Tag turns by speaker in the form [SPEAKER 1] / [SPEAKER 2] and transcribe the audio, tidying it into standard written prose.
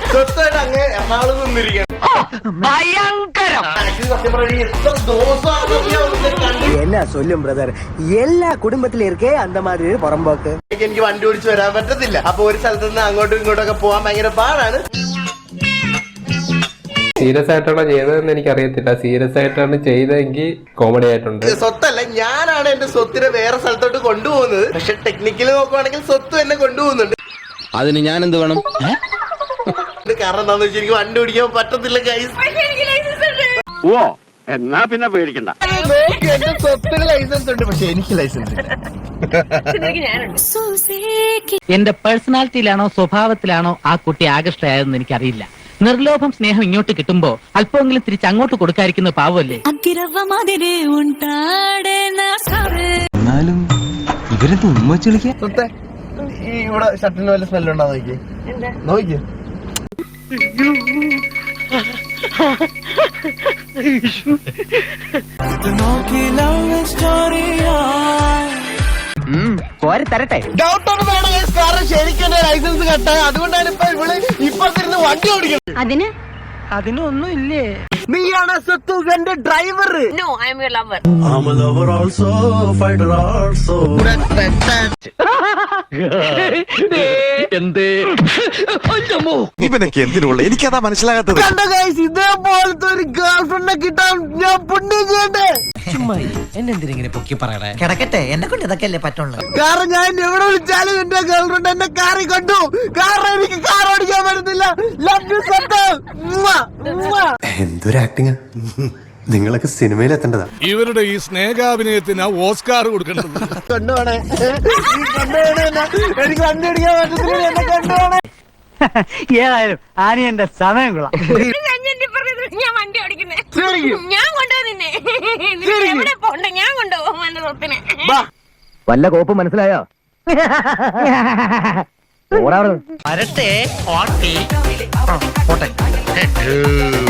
[SPEAKER 1] സ്വത്തായിട്ട് അങ്ങ് എറണാകുളത്ത് നിന്നിരിക്കണം.
[SPEAKER 2] என்ன சொல்லும் பிரதர், எல்லா குடும்பத்தில இருக்கே அந்த மாதிரி புறம்போக்கு.
[SPEAKER 1] എനിക്ക് വണ്ടി ഓടിച്ച് വരാൻ പറ്റത്തില്ല. അപ്പൊ ഒരു സ്ഥലത്ത് നിന്ന് അങ്ങോട്ടും ഇങ്ങോട്ടൊക്കെ പോകാൻ ഭയങ്കര പാടാണ്.
[SPEAKER 3] സീരിയസ് ആയിട്ടാണോ ചെയ്തതെന്ന് എനിക്ക് അറിയത്തില്ല. സീരിയസ് ആയിട്ടാണ് ചെയ്തതെങ്കിൽ കോമഡി ആയിട്ടുണ്ട്.
[SPEAKER 1] സ്വത്തല്ല, ഞാനാണ് എന്റെ സ്വത്തിനെ വേറെ സ്ഥലത്തോട്ട് കൊണ്ടുപോകുന്നത്. പക്ഷെ ടെക്നിക്കലി നോക്കുവാണെങ്കിൽ സ്വത്ത് എന്നെ കൊണ്ടുപോകുന്നുണ്ട്.
[SPEAKER 4] അതിന് ഞാൻ എന്ത് വേണം?
[SPEAKER 1] കാരണം എന്താന്ന് വെച്ചാൽ എനിക്ക് വണ്ടി ഓടിക്കാൻ പറ്റത്തില്ല ഗൈസ്.
[SPEAKER 5] ഓ എന്നാ പിന്നെ പേടിക്കണ്ട.
[SPEAKER 1] എന്റെ സ്വത്തിന് ലൈസൻസ് ഉണ്ട്, പക്ഷെ എനിക്ക് ലൈസൻസ് ഇല്ല.
[SPEAKER 6] എന്റെ പേഴ്സണാലിറ്റിയിലാണോ സ്വഭാവത്തിലാണോ ആ കുട്ടി ആകർഷ്ടയായതെന്ന് എനിക്കറിയില്ല. നിർലോഭം സ്നേഹം ഇങ്ങോട്ട് കിട്ടുമ്പോ അല്പമെങ്കിലും തിരിച്ച് അങ്ങോട്ട് കൊടുക്കാതിരിക്കുന്ന പാവല്ലേ.
[SPEAKER 4] എന്നാലും ഇവരെന്ത് ഉമ്മച്ച് വിളിക്കാൻ?
[SPEAKER 1] സ്വത്തെ ഈ ഇവിടെ ഷർട്ടിന് വല്ല സ്മെല്ലുണ്ടോ നോക്കി നോക്കിയോ.
[SPEAKER 2] തരട്ടെ.
[SPEAKER 1] ഡൗട്ടൊന്നും വേണം guys, കാരണം ശരിക്കും എന്റെ ലൈസൻസ് കട്ടായ. അതുകൊണ്ടാണ് ഇപ്പൊ ഇവള് ഇപ്പത്തിരുന്ന് വണ്ടി ഓടിക്കുന്നത്.
[SPEAKER 2] അതിനൊന്നും ഇല്ലേ?
[SPEAKER 1] നീയാണ് സ്വത്തു എന്റെ ഡ്രൈവർ.
[SPEAKER 7] ഇവനൊക്കെ എന്തിനുള്ള എനിക്കതാ മനസ്സിലാകാത്തത്.
[SPEAKER 1] കണ്ടോ ഗൈസ്, ഇതേപോലത്തെ ഒരു ഗേൾ ഫ്രണ്ടിനെ കിട്ടാൻ ഞാൻ പുണ്യം ചെയ്യട്ടെ.
[SPEAKER 2] എന്നെന്തിനെ പൊക്കി പറയണേ? കിടക്കട്ടെ, എന്നെ കൊണ്ട് ഇതൊക്കെ അല്ലേ പറ്റുള്ളൂ.
[SPEAKER 1] കാരണം ഞാൻ എവിടെ വിളിച്ചാലും എന്റെ ഗേൾ ഫ്രണ്ട് എന്നെ കാറി കൊണ്ടു. കാരണം എനിക്ക് കാർ ഓടിക്കാൻ പറ്റുന്നില്ല. ലവ് യു സ്വത്ത്.
[SPEAKER 7] എന്തൊരു ആക്ടിങ്. നിങ്ങളൊക്കെ സിനിമയിൽ എത്തേണ്ടതാ.
[SPEAKER 8] ഇവരുടെ ഈ സ്നേഹാഭിനയത്തിന് ഓസ്കാർ കൊടുക്കേണ്ടത്.
[SPEAKER 1] കൊണ്ടുപോണേ, എനിക്ക് വണ്ടി ഓടിക്കാൻ പറ്റത്തില്ല, എന്നെ കൊണ്ടുപോണേ.
[SPEAKER 2] ഏതായാലും ആനിയന്റെ സമയം കൊള്ളാം.
[SPEAKER 9] ഞാൻ വണ്ടി ഓടിക്കുന്നേ, ഞാൻ കൊണ്ടുപോകും നിന്നെ. എവിടെ പോണ്ട, ഞാൻ കൊണ്ടുപോകും എന്റെ സ്വത്തിനെ.
[SPEAKER 2] വല്ല കോപ്പ് മനസ്സിലായോ? വരട്ടെ.